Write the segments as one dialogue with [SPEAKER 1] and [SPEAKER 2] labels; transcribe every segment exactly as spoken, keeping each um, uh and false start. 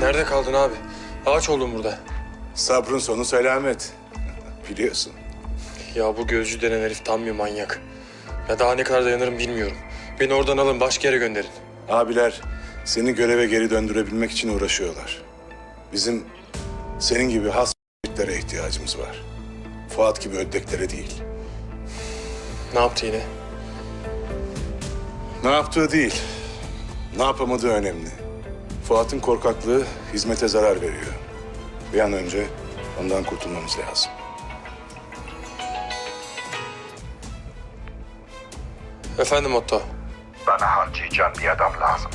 [SPEAKER 1] Nerede kaldın abi? Ağaç oldum burada.
[SPEAKER 2] Sabrın sonu selamet. Biliyorsun.
[SPEAKER 1] Ya bu gözcü denen herif tam bir manyak. Ya daha ne kadar dayanırım bilmiyorum. Beni oradan alın, başka yere gönderin.
[SPEAKER 2] Abiler seni göreve geri döndürebilmek için uğraşıyorlar. Bizim senin gibi has ***lere ihtiyacımız var. Fuat gibi ödleklere değil.
[SPEAKER 1] Ne yaptı yine?
[SPEAKER 2] Ne yaptığı değil, ne yapamadığı önemli. Fuat'ın korkaklığı hizmete zarar veriyor. Bir an önce ondan kurtulmamız lazım.
[SPEAKER 1] Efendim Otto.
[SPEAKER 3] Bana harcayacağın bir adam lazım.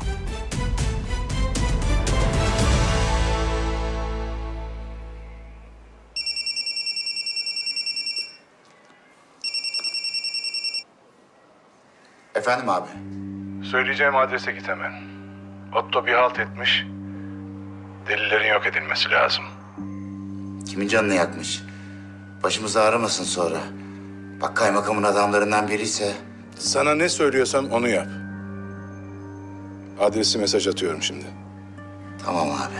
[SPEAKER 4] Efendim abi.
[SPEAKER 2] Söyleyeceğim adrese git hemen. Otto bir halt etmiş. Delillerin yok edilmesi lazım.
[SPEAKER 4] Kimin canını yakmış? Başımızı ağrımasın sonra. Bak kaymakamın adamlarından biriyse...
[SPEAKER 2] Sana ne söylüyorsam onu yap. Adresi mesaj atıyorum şimdi.
[SPEAKER 4] Tamam abi.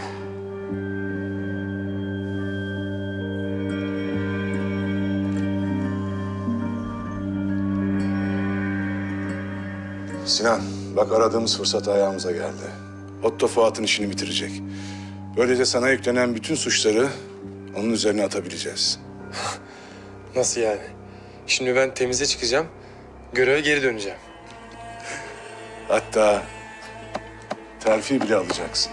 [SPEAKER 2] Sinan, bak aradığımız fırsat ayağımıza geldi. Otto Fuat'ın işini bitirecek. Böylece sana yüklenen bütün suçları onun üzerine atabileceğiz.
[SPEAKER 1] Nasıl yani? Şimdi ben temize çıkacağım, göreve geri döneceğim.
[SPEAKER 2] Hatta terfi bile alacaksın.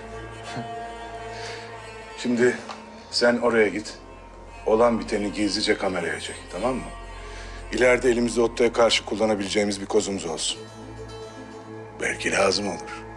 [SPEAKER 2] Şimdi sen oraya git. Olan biteni gizlice kameraya çek, tamam mı? İleride elimizde Otto'ya karşı kullanabileceğimiz bir kozumuz olsun. Belki lazım olur.